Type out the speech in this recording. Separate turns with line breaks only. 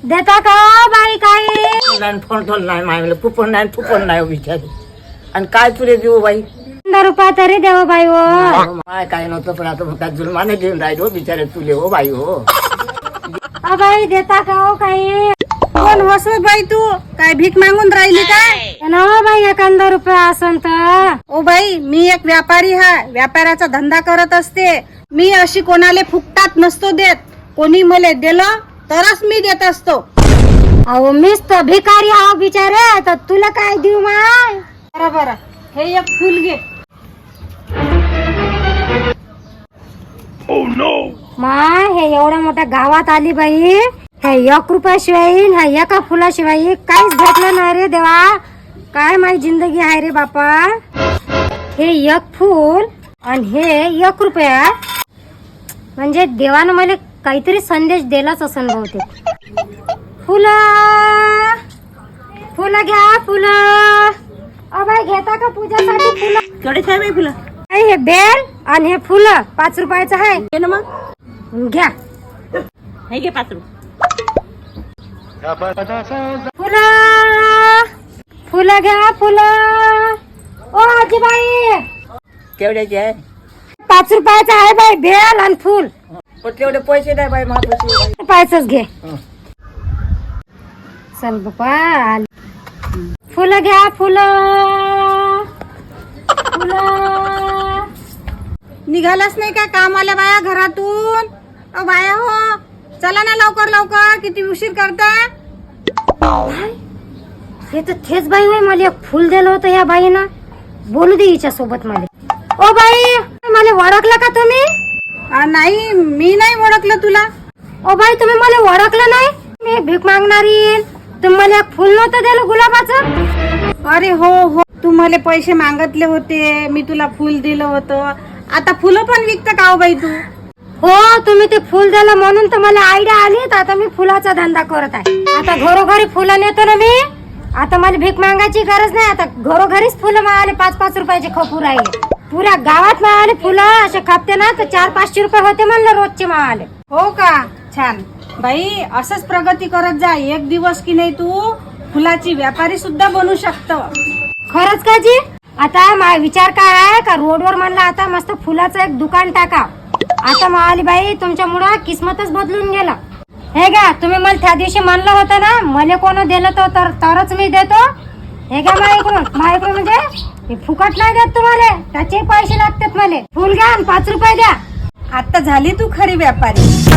देता का बाई काही
नाही फोन नाही मागलं फुफण नाही विचारू आणि काय तुले देऊ बाई
100 रुपये तरी देव बाई हो
माय काय नव्हतं पण आता काय जुलमाने देऊन राहिलो बिचारे तुले हो बाई हो
बाई देता का हो काही
कोण होस बाई तू काय भीक मागून राहिली काय
ना बाई 100 रुपये असन तर
ओ बाई मी एक व्यापारी आहे व्यापाराचा धंदा करत असते मी अशी कोणाले फुकटात नसतो देत कोणी मला दिलं तरच मी देत असतो
अहो मीच तर भिकारी आहो बिचारे तर तुला काय देऊ माय
बरं हे एक फुल घे
माय हे एवढ्या मोठ्या गावात आली बाई हे 1 रुपयाशिवाय ह्या एका फुलाशिवाय काहीच भेटलं नाही रे देवा काय माझी जिंदगी आहे रे बापा हे 1 फुल आणि हे 1 रुपया म्हणजे देवानं मला काहीतरी संदेश दिलाच असं बहुतेक फुलं घ्या फुलं बाई घेता का पूजासाठी फुलं
कडेच आहे बाई फुलं
हे बेल आणि हे फुलं 5 रुपयाचं आहे
घे ना मग
घ्या
हे घे 5 रुपये
फुलं घ्या फुलं ओ आजीबाई
केवढ्याचे आहे
5 रुपयाचं आहे बाई बेल आणि फुल
पण तेवढे पैसे नाही बाई महापाशी
पायचंच घे चल बापा फुलं घ्या फुलं
निघालाच नाही का काम आल्या बाया घरातून ओ बाया हो चला ना लवकर किती उशीर करता
हे तर तेच बाई होय मला एक फुल दिलं होतं या बाईनं बोलू दे हिच्या सोबत मला ओ बाई मला ओळखलं का तुम्ही
नाही मी नाही ओळखलं तुला
ओ बाई तुम्ही मला ओळखलं नाही मी भीक मागणारी तुम्ही मला एक फुल नव्हतं दिलं गुलाबाचं
अरे हो तू मला पैसे मागितले होते मी तुला फुल दिलं होतं आता फुलं पण विकत का हो बाई तू
हो तुम्ही ते फुल दिलं म्हणून तर मला आयडिया आली तर आता मी फुलाचा धंदा करत आहे आता घरोघरी फुलं नेतो ना मी आता मला भीक मागायची गरज नाही आता घरोघरीच फुलं मिळाले 5-5 रुपयाचे खपू राहिले पुऱ्या गावात मिळाले फुलं असे खपते ना तर 400-500 रुपये होते म्हणलं रोजचे मिळाले
हो का छान बाई असंच प्रगती करत जा एक दिवस की नाही तू फुलाची व्यापारी सुद्धा बनू शकतो
खरंच का जी आता माझा विचार काय आहे का रोडवर म्हणलं आता मस्त फुलाचं एक दुकान टाका आता मावाली बाई तुमच्यामुळं किस्मतच बदलून गेलं हे घ्या तुम्ही मला त्या दिवशी म्हणलं होतं ना मला कोण दिलं तरच मी देतो हे घ्या माझ्याकडून म्हणजे हे फुकट नाही देत तुम्हाला त्याचे पैसे लागतात मला फुल घ्या आणि 5 रुपये द्या
आता झाली तू खरी व्यापारी